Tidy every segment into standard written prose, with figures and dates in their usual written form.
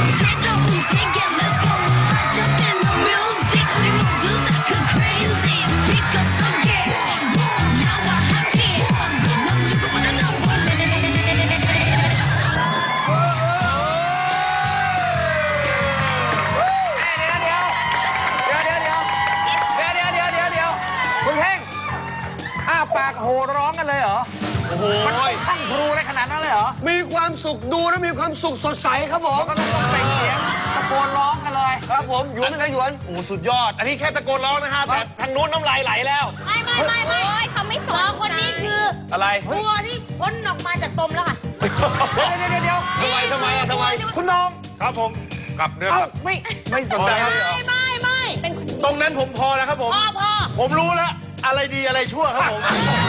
โหร้องกันเลยเหรอโอ้โหมันขั้นครูได้ขนาดนั้นเลยเหรอมีความสุขดูแล้วมีความสุขสดใสครับผมก็ต้องเปล่งเสียงตะโกนร้องกันเลยครับผมหยวนนะหยวนโอ้สุดยอดอันนี้แค่ตะโกนร้องนะฮะแต่ทางนู้นน้ำลายไหลแล้วไม่เขาไม่สนคนนี้คืออะไรตัวที่พ้นออกมาจากตมแล้วค่ะเดี๋ยวทำไมคุณน้องครับผมกลับเนื้อไม่สนใจเลยไม่เป็นตรงนั้นผมพอแล้วครับผมพอผมรู้แล้วอะไรดีอะไรชั่วครับผม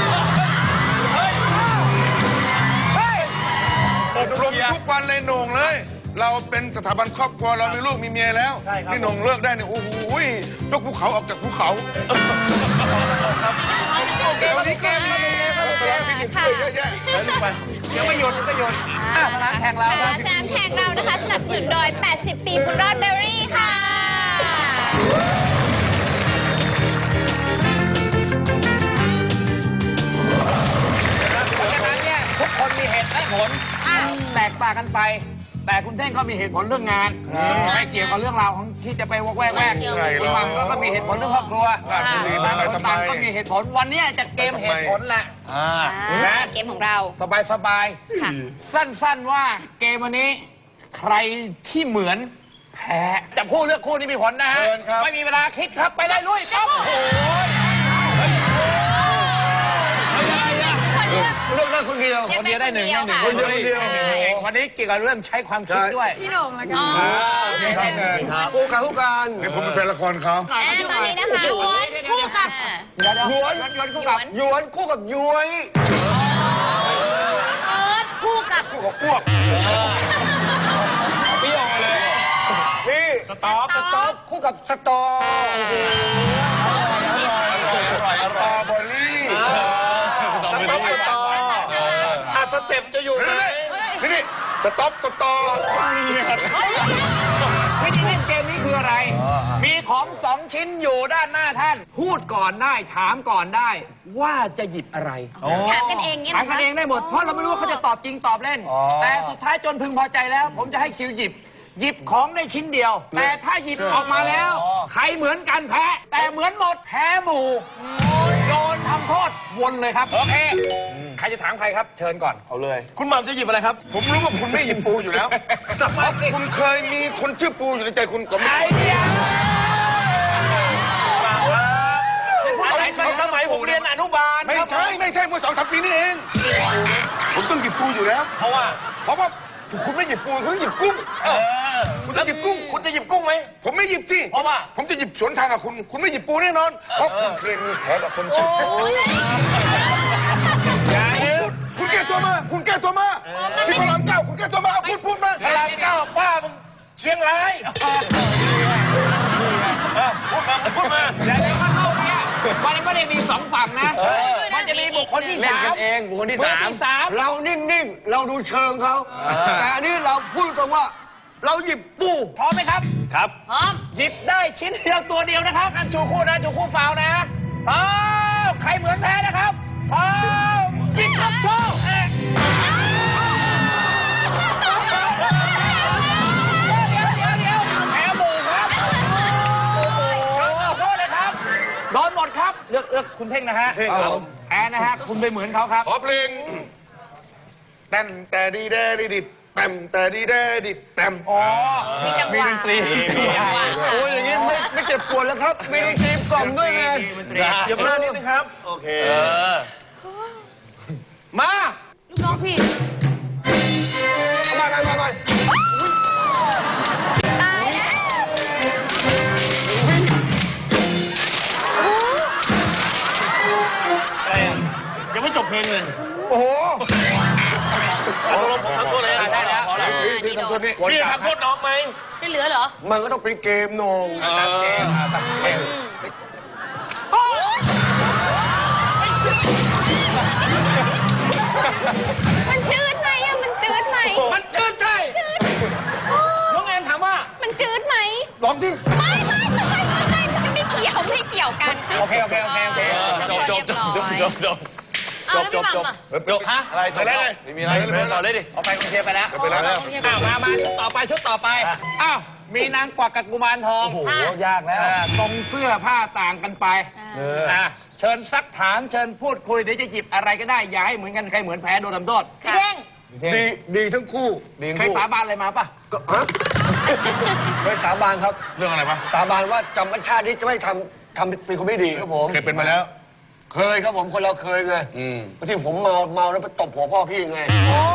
อบรมทุกวันเลยโหน่งเลยเราเป็นสถาบันครอบครัวเรามีลูกมีเมียแล้วนี่โหน่งเลิกได้เนี่ยโอ้โหยกภูเขาออกจากภูเขาวันนี้เกมมาเลยค่ะเยอะแยะยังไม่หยุดสนามแข่งเรานะคะสนับสนุนโดย80 ปีบุญรอดเบอรี่ค่ะทุกคนมีเหตุและผลแตกต่างกันไปแต่คุณเท่งก็มีเหตุผลเรื่องงานไม่เกี่ยวกับเรื่องราวของที่จะไปวอกแวกคุณมังก็มีเหตุผลเรื่องครอบครัวต่างก็มีเหตุผลวันนี้จะเกมเหตุผลแหละเกมของเราสบายสั้นๆว่าเกมวันนี้ใครที่เหมือนแพ้จับคู่เลือกคู่นี่มีผลนะฮะไม่มีเวลาคิดครับไปได้ลุยปั๊บโอ้ยเลือกคนเดียวได้หนึ่งคนเดียววันนี้เกี่ยวกับเรื่องใช้ความคิดด้วยพี่หนุ่มแล้วกันคู่กันเดี๋ยวผมเป็นแฟนละครเขาตอนนี้นะคะหยวนคู่กับหยวนคู่กับย้วยคู่กับอ้วกเปรี้ยวเลยนี่สต๊อกคู่กับสตออร่อยบอลลี่สเต็ปจะอยู่ไหนนี่สต๊อปสตอวิธีเล่นเกมนี้คืออะไรมีของ2 ชิ้นอยู่ด้านหน้าท่านพูดก่อนได้ถามก่อนได้ว่าจะหยิบอะไรถามกันเองเนี่ยถามกันเองได้หมดเพราะเราไม่รู้ว่าเขาจะตอบจริงตอบเล่นแต่สุดท้ายจนพึงพอใจแล้วผมจะให้คิวหยิบของได้ชิ้นเดียวแต่ถ้าหยิบออกมาแล้วใครเหมือนกันแพ้แต่เหมือนหมดแพ้หมู่โดนทำโทษวนเลยครับโอเคใครจะถามใครครับเชิญก่อนเอาเลยคุณหม่ำจะหยิบอะไรครับผมรู้ว่าคุณไม่หยิบปูอยู่แล้วคุณเคยมีคนชื่อปูอยู่ในใจคุณก็ไม่สมัยผมเรียนอนุบาลไม่ใช่เมื่อ2-3 ปีนี่เองผมต้องหยิบปูอยู่แล้วเพราะว่าคุณไม่หยิบปูคุณหยิบกุ้งคุณจะหยิบกุ้งคุณจะหยิบกุ้งไหมผมไม่หยิบสิเพราะว่าผมจะหยิบสวนทางกับคุณไม่หยิบปูแน่นอนเพราะคุณเคยมีแผลกับคนชื่อคุณแก้ตัวมาที่พระราม 9คุณแก้ตัวมาเอาพูดมาพระราม 9ป้ามึงเชียงรายพูดมาแล้วก็เข้าเนี่ยมันไม่ได้มี2 ฝั่งนะมันจะมีบุคคลที่ 3บุคคลที่3เรานิ่งๆเราดูเชิงเขาแต่อันนี้เราพูดตรงว่าเราหยิบปูพร้อมไหมครับครับพร้อมหยิบได้ชิ้นเดียวตัวเดียวนะครับอันชูคู่นะชูคู่ฟาวนะพร้อมใครเหมือนแพ้นะครับพร้อมหยิบครับโชว์แพ้หมู่ครับโทษเลยครับโดนหมดครับเลือกคุณเท่งนะฮะแพ้นะฮะคุณไปเหมือนเขาครับขอเพลงแต้มแต่ดีแดดิดแต้มแต่ดีแดดิดแต้มมีดนตรีโอ้ยอย่างนี้ไม่เจ็บปวดแล้วครับมีดนตรีกล่อมด้วยไงเดี๋ยวมานิดนึงครับโอเคมาลูกน้องพี่มาตายแล้วอะไรอ่ะยังไม่จบเพลงเลยโอ้โหผมทำตัวเลยได้แล้วที่ทำตัวนี้พี่ทำโทษน้องไหมจะเหลือเหรอมันก็ต้องเป็นเกมนงตัดเกมมันจืดไหมมันจืดไหมมันจืดใช่น้องแอนถลองดิไม่เกี่ยวไม่เกี่ยวกันโอเคจบฮะอะไรจบแล้วไม่มีอะไรต่อเลยดิเอาไปกรุงเทพไปแล้วไปแล้วมาชุดต่อไปอ้าวมีนางกวักกับกุมารทองโอ้โหยากแล้วตรงเสื้อผ้าต่างกันไปเชิญซักถามเชิญพูดคุยเดี๋ยวจะหยิบอะไรก็ได้อย่าให้เหมือนกันใครเหมือนแพ้โดนทำโทษพี่เท่งดีทั้งคู่ใครสาบานอะไรมาป่ะก็ฮะไปสาบานครับเรื่องอะไรปะสาบานว่าจำชาตินี้จะไม่ทำเป็นคนไม่ดีครับผมเคยเป็นมาแล้วเคยครับผมคนเราเคยไงบางทีผมเมาแล้วไปตบหัวพ่อพี่ไง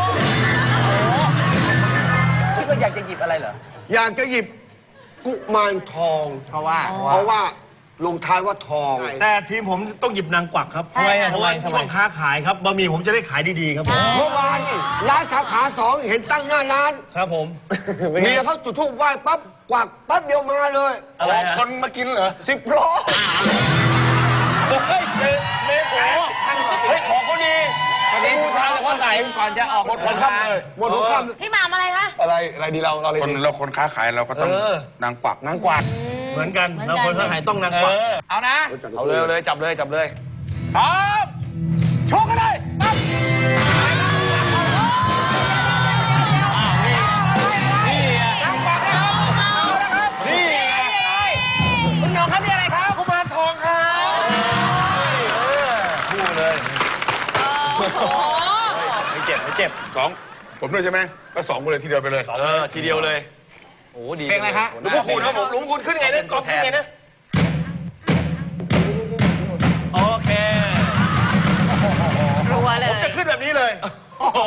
คิดว่าอยากจะหยิบอะไรเหรออยากจะหยิบกุมารทองเพราะว่าเพราะว่าลงท้ายว่าทองแต่ทีมผมต้องหยิบนางกวักครับใช่ค่ะเพราะว่าช่วงค้าขายครับบะหมี่ผมจะได้ขายดีๆครับผมเมื่อวานร้านสาขา2เห็นตั้งหน้าร้านครับผมเมียเขาจุดธูปไหว้ปั๊บกวักปั๊บเดียวมาเลยอะไรฮะคนมากินเหรอ 10 ล้อเฮ้ยเมโกเฮ้ยของเขาดีวันนี้ทางคนไหนก่อนจะออกหมดหัวค่ำเลยหมดทุกคพี่หมามอะไรคะอะไรดีเราอะไรดีเราคนค้าขายเราก็ต้องนางกวักนางกวักเหมือนกันเราคนค้าขายต้องนางกวักเอานะำเอาเลยจับเลยพร้อมโชว์กันเลยปั๊บนางกวักนะครับเอาละครับนี่คุณน้องครับนี่อะไรครับกุมารทองครับคู่เลยโอ้โหไม่เจ็บสองผมด้วยใช่ไหมก็สองคนเลยทีเดียวไปเลยทีเดียวเลยโอ้ดีเพลงอะไรฮะหลวงพ่อคูณครับผมหลวงพ่อคูณขึ้นไงเนี่ยกองขึ้นไงนะโอเครัวเลยจะขึ้นแบบนี้เลย โอ้โห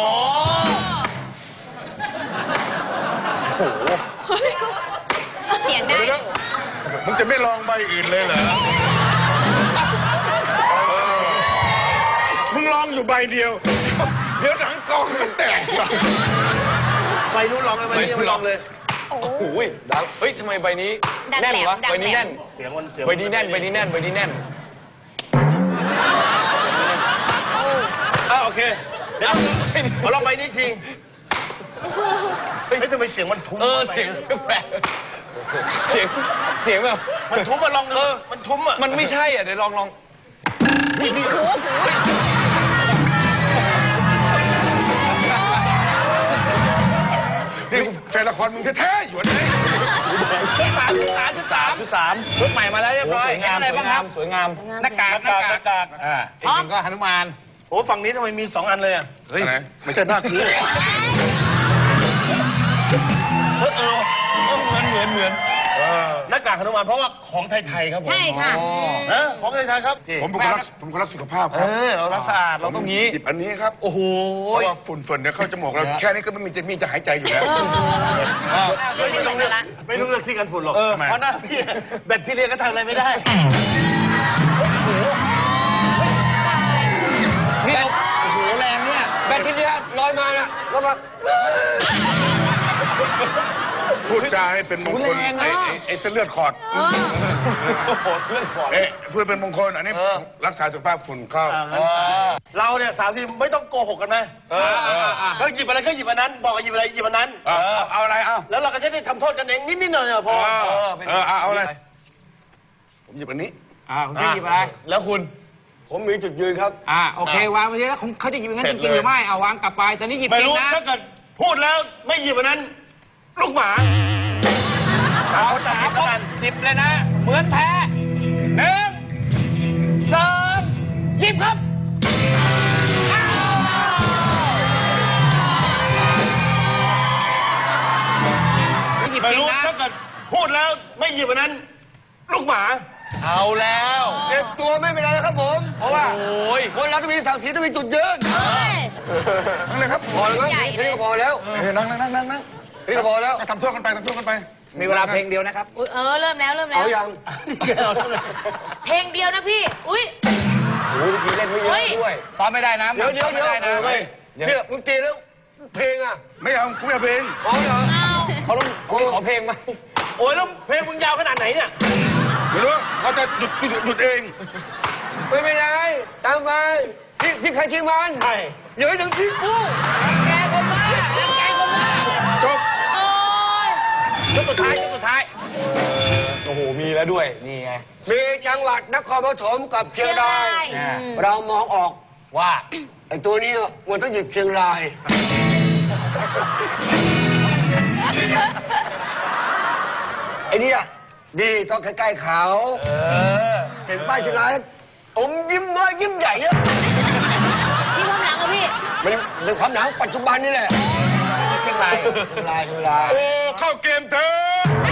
เสียงได้อยู่มึงจะไม่ลองใบอื่นเลยเหรอมึงลองอยู่ใบเดียว เดี๋ยวหนังกองมันแตกใบนู้นลองเลยใบนี้ไม่ลองเลยโอ้โหโอ้ยเฮ้ยทำไมใบนี้ดังแน่นแหลมวะดังใบแหลมนี้แน่นเสียงมันเสียงใบนี้แน่นโอเคเดี๋ยวมาลองใบนี้ทีเฮ้ยทำไมเสียงมันทุ้มเสียงแปลกเสียงแบบมันทุ้มมาลองมันทุ้มอ่ะมันไม่ใช่อ่ะเดี๋ยวลองนี่แฟนละครมึงแท้ๆอยู่ไหนชุดสามชุดใหม่มาแล้วเรียบร้อยเห็นอะไรบ้างครับสวยงามหน้ากากอีกหนึ่งก็หนุมานโอ้ฝั่งนี้ทำไมมี2 อันเลยอ่ะเฮ้ยไม่ใช่หน้ากูเหมือนหน้ากากหนุมานเพราะว่าของไทยๆครับผมใช่ค่ะของไทยๆครับผมเป็นคนรักสุขภาพครับเรารักสะอาดเราต้องงี้หยิบอันนี้ครับโอ้โหเพราะว่าฝุ่นเนี่ยเข้าจมูกเราแค่นี้ก็ไม่มีจะหายใจอยู่แล้วไม่ต้องละไม่ต้องเลือกที่กันฝุ่นหรอกทำไมเพราะหน้าพี่แบคทีเรียก็ทำอะไรไม่ได้นี่โอ้โหแรงเนี่ยแบคทีเรียลอยมานะแล้วมาพูดจาให้เป็นมงคลไอ้เส้นเลือดขอด เพื่อเป็นมงคลอันนี้รักษาสุขภาพฝุ่นเข้าเราเนี่ย3 ทีมไม่ต้องโกหกกันนะก็หยิบอะไรก็หยิบอันนั้น บอกว่าหยิบอะไรหยิบอันนั้นเอาอะไรเอาแล้วเราก็จะได้ทำโทษกันเองนิดๆหน่อยๆพอเอาอะไรผมหยิบอันนี้คุณจะหยิบอะไรแล้วคุณผมมีจุดยืนครับโอเควางไปแล้วเขาจะหยิบอย่างนั้นจริงๆหรือไม่เอาวางกลับไปตอนนี้หยิบไม่จริรู้งนะถ้าเกิดพูดแล้วไม่หยิบอันนั้น ลูกหมาเอา3 คนหยิบเลยนะ เหมือนแพ้1 2หยิบครับหยิบไม่จริงรู้นะถ้าเกิดพูดแล้วไม่หยิบอันนั้น ลูกหมาเอาแล้วเจ็บตัวไม่เป็นไรนะครับผม เพราะว่าโอ้ยคนเราต้องมีศักดิ์ศรีต้องมีจุดยืนนั่งเลยครับพอแล้วใหญ่เลยนี่ก็พอแล้วนั่งนี่ก็พอแล้วทำโทษกันไปมีเวลาเพลงเดียวนะครับอุ๊ยเริ่มแล้วเอายังเพลงเดียวนะพี่ อุ้ยโอ้ยเมื่อกี้เล่นไม่เยอะด้วยซ้อมไม่ได้นะเดี๋ยวซ้อมไม่ได้นะเนี่ยมึงตีแล้วเพลงอ่ะไม่เอากูไม่เอาเพลงอ๋อเหรอเขาต้องขอเพลงไหมโอ้ยแล้วเพลงมึงยาวขนาดไหนเนี่ยไม่รู้เขาจะหยุดเองไม่เป็นไรตามไปที่ใครที่มันใช่อย่าให้ถึงที่กูแกคนมาแกคนมาจบโอ้ยชุดสุดท้ายมีแล้วด้วย นี่ไงมีจังหวัดนครปฐมกับเชียงรายเชียงรายเรามองออกว่าไอ้ตัวนี้มันต้องหยิบเชียงราย ไอ้เนี่ยดีต้องใกล้ๆเขา เห็นป้ายเชียงรายอมยิ้มน้อยยิ้มใหญ่อะพี่ความหลังเหรอพี่มันเป็นความหนังปัจจุบันนี่แหละเชียงรายเชียงรายเชียงรายโอ้เข้าเกมเถอะ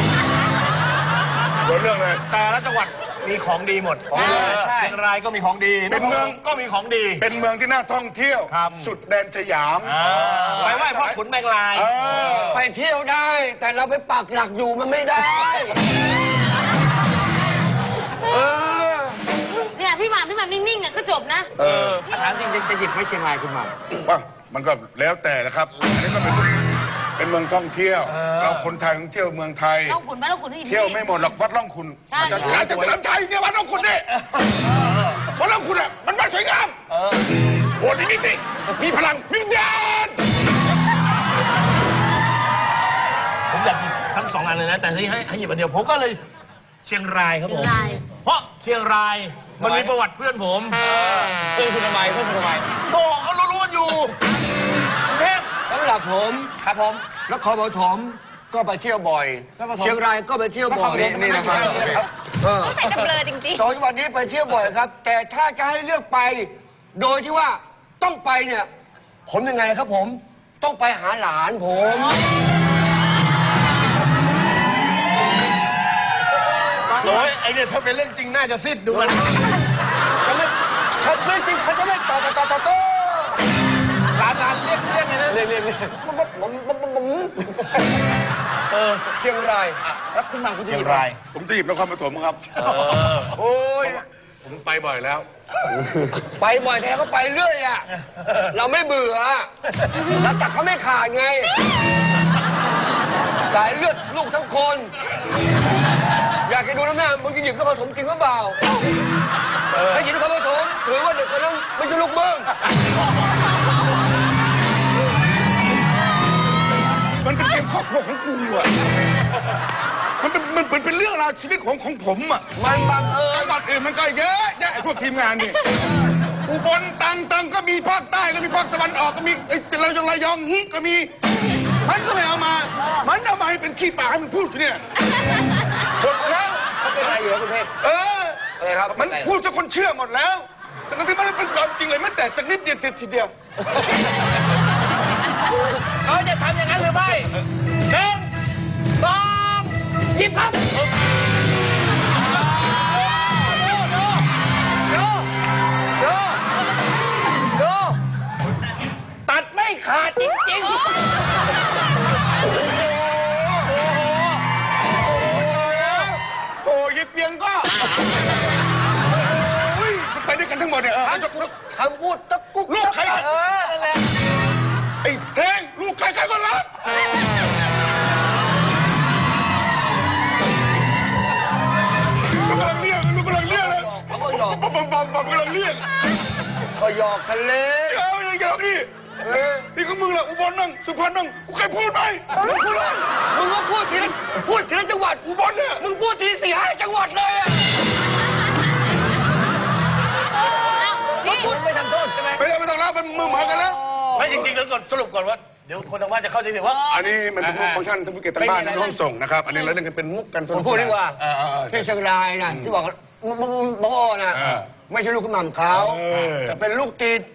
เรื่องเลยแต่ละจังหวัดมีของดีหมดใช่เชียงรายก็มีของดีเป็นเมืองก็มีของดีเป็นเมืองที่น่าท่องเที่ยวครับสุดแดนสยามไปไหว้พ่อขุนแมงลายเออไปเที่ยวได้ แต่เราไปปักหลักอยู่มันไม่ได้ เออเนี่ยพี่หม่ำนิ่งๆเนี่ยก็จบนะถามจริงจะหยิบไว้เชียงรายคุณหม่ำว่ามันก็แล้วแต่แหละครับ อันนี้ก็เป็นเมืองท่องเที่ยว เราคนไทยท่องเที่ยวเมืองไทยต้องขุนไหมต้องขุนที่เที่ยวไม่หมดหรอกวัดร่องคุณใช่จะจะเฉลิมชัยเนี่ยวัดร่องคุณนี่วัดร่องคุณอ่ะมันวัดสวยงามโอ้ยมิติมีพลังวิญญาณผมอยากหยิบทั้งสองอันเลยนะ แต่ให้หยิบอันเดียวผมก็เลยเชียงรายครับผมเชียงรายเพราะเชียงรายมันมีประวัติเพื่อนผมเพื่อนคุณทำไมก็เขารู้ๆอยู่กรุงเทพสำหรับผมครับผมนครปฐมก็ไปเที่ยวบ่อย เชียงรายก็ไปเที่ยวบ่อยนี่นะครับต้องใส่กับเบลอจริงสองจังหวัดนี้ไปเที่ยวบ่อยครับ แต่ถ้าจะให้เลือกไป โดยที่ว่าต้องไปเนี่ย ผมยังไงครับผม ต้องไปหาหลานผมโอ้ยไอเนี่ยถ้าเป็นเรื่องจริงน่าจะซิดดูมันเขาไม่จริงเขาจะไม่ต่อร้านเรียกไงนะเรียกเชียงรายแล้วคุณหม่ำคุณจะหเชียยิงบรายผมจะหยิบนครปฐมครับโอ้ยผมไปบ่อยแล้วไปบ่อยแต่เขาไปเรื่อยอ่ะ เราไม่เบื่อเราตัดเขาไม่ขาดไงสายเลือดลูกทั้งคน อยากจะดูน้ำหน้ามึงจะหยิบนครปฐมจริงหรือเปล่าถ้าหยิบนครปฐมถือว่าเด็กคนนั้นไม่ใช่ลูกมึงมันเป็นเกมครอบครัวของกูอ่ะ มันเป็นเรื่องราวชีวิตของผมอ่ะมันบังเอิญจังหวัดอื่นมันก็เยอะแยะไอ้พวกทีมงานนี่ อุบลตังก็มีภาคใต้ก็มีภาคตะวันออกก็มีไอ้ระยองฮิก็มี มันก็ไม่เอามา มันเอามาให้เป็นขี้ปากให้มันพูดอยู่เนี่ยหมดแล้วเขาเป็นอะไรอยู่ครับคุณเทพเอออะไรครับมันพูดจนคนเชื่อหมดแล้วแต่ที่มันเป็นความจริงเลยไม่แต่สักนิดเดียวทีเดียวเขาจะทำอย่างนั้นหรือไม่หนึ่งสองหยิบครับดูตัดไม่ขาดจริงๆโอ้ยเปียงก็โอ้ยมันไปด้วยกันทั้งหมดเนี่ยคำพูดตะกุกลูกใครนั่นแหละไอ้แทงลูกใครก็รักลูกกำลังเรียกลูกกำลังเรียกเลยเขาก็หยอกปั๊มกำลังเรียกก็หยอกทะเลเอาอย่างเงี้ยนี่นี่ก็มึงแหละอุบลนั่งสุพรรณนั่งกูเคยพูดไหมมึงพูดเลยมึงก็พูดทีละจังหวัดอุบลเนี่ยมึงพูดที4-5 จังหวัดเลยอะนี่คุณไม่ทำโทษใช่ไหมไม่ต้องแล้วมันมือเหมือนกันแล้วไม่จริงๆแล้วก่อนสรุปก่อนว่า เดี๋ยวคนทางบ้านจะเข้าใจผิดว่าอันนี้มันเป็นมุกฟังก์ชันท่านผู้เกียรติทางบ้านในห้องส่งนะครับ อันนี้เราเล่นกันเป็นมุกกันสผนุมกพูดดีกว่าที่ที่เชียงรายนะที่บอกว่าพ่อนะไม่ใช่ลูกคุณหม่ำเขาแต่เป็นลูกติด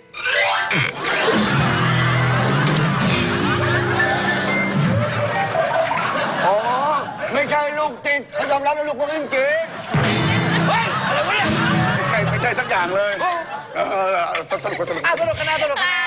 อ๋อไม่ใช่ลูกติดเขายอมรับเป็นลูกคนจริงๆเฮ้ยอะไรวะเนี่ยไม่ใช่สักอย่างเลยสนุกสนุกกันนะสนุกกันนะ